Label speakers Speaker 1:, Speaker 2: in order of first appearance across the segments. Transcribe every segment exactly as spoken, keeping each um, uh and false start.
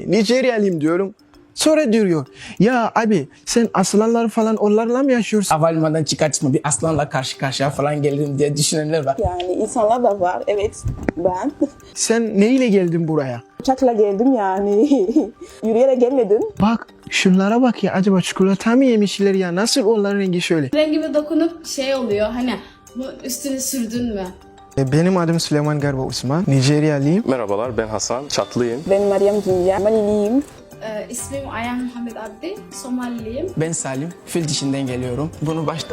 Speaker 1: Nijeryalıyım diyorum. Sonra diyor ya abi sen aslanlar falan onlarla mı yaşıyorsun?
Speaker 2: Havalimanından çıkartma bir aslanla karşı karşıya falan gelirim diye düşünenler var.
Speaker 3: Yani insanlar da var. Evet, ben.
Speaker 1: Sen neyle geldin buraya?
Speaker 3: Uçakla geldim yani. Yürüyerek gelmedim.
Speaker 1: Bak şunlara bak ya, acaba çikolata mı yemişler ya? Nasıl onların rengi şöyle?
Speaker 4: Rengime dokunup şey oluyor hani bu üstüne sürdün mü?
Speaker 1: E, Benim adım Süleyman Garba Osman. Nijeryalıyım.
Speaker 5: Merhabalar, ben Hasan, Çatlıyım.
Speaker 3: Ben Meryem Dünya, Maliliyim.
Speaker 4: Ee, ismim Ayhan Muhammed Abdi, Somaliliyim.
Speaker 2: Ben Salim, fil dişinden geliyorum. Bunu başta...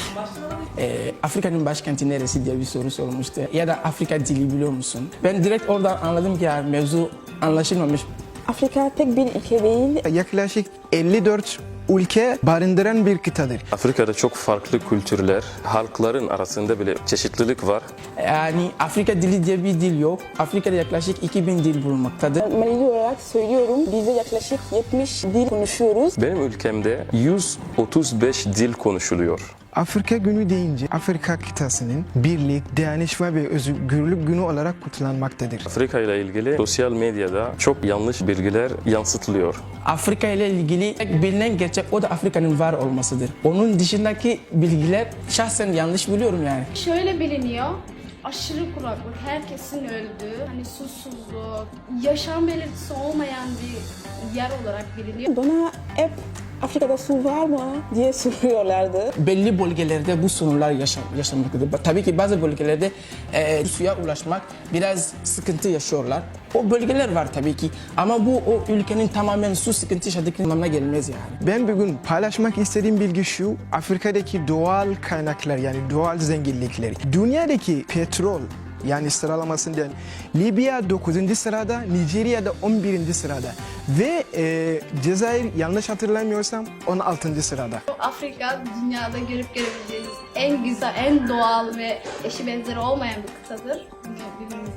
Speaker 2: Ee, Afrika'nın başkenti neresi diye bir soru sormuştu. Ya da Afrika dili biliyor musun? Ben direkt oradan anladım ki ya mevzu anlaşılmamış.
Speaker 3: Afrika tek bir ülke değil.
Speaker 1: Yaklaşık elli dört ülke barındıran bir kıtadır.
Speaker 5: Afrika'da çok farklı kültürler, halkların arasında bile çeşitlilik var.
Speaker 2: Yani Afrika dili diye bir dil yok. Afrika'da yaklaşık iki bin dil bulunmaktadır.
Speaker 3: Malili olarak söylüyorum, biz de yaklaşık yetmiş dil konuşuyoruz.
Speaker 5: Benim ülkemde yüz otuz beş dil konuşuluyor.
Speaker 1: Afrika Günü deyince Afrika kıtasının birlik, dayanışma ve özgürlük günü olarak kutlanmaktadır.
Speaker 5: Afrika ile ilgili sosyal medyada çok yanlış bilgiler yansıtılıyor.
Speaker 2: Afrika ile ilgili tek bilinen gerçek o da Afrika'nın var olmasıdır. Onun dışındaki bilgiler şahsen yanlış biliyorum yani.
Speaker 4: Şöyle biliniyor, aşırı kuraklık, herkesin öldüğü, hani susuzluk, yaşam belirtisi olmayan bir yer olarak biliniyor.
Speaker 3: Bana hep Afrika'da su var mı diye soruyorlardı.
Speaker 2: Belli bölgelerde bu sorunlar yaşam, yaşanmaktadır. Tabii ki bazı bölgelerde e, suya ulaşmak biraz sıkıntı yaşıyorlar. O bölgeler var tabii ki ama bu o ülkenin tamamen su sıkıntı yaşadığı anlamına gelmez yani.
Speaker 1: Ben bugün paylaşmak istediğim bilgi şu: Afrika'daki doğal kaynaklar, yani doğal zenginlikleri. Dünyadaki petrol, yani sıralamasından Libya dokuzuncu sırada, Nijerya'da on birinci sırada ve e, Cezayir yanlış hatırlamıyorsam on altıncı sırada.
Speaker 4: Afrika dünyada görüp görebileceğiniz en güzel, en doğal ve eşi benzeri olmayan bir kıtadır. Bunu bilmeniz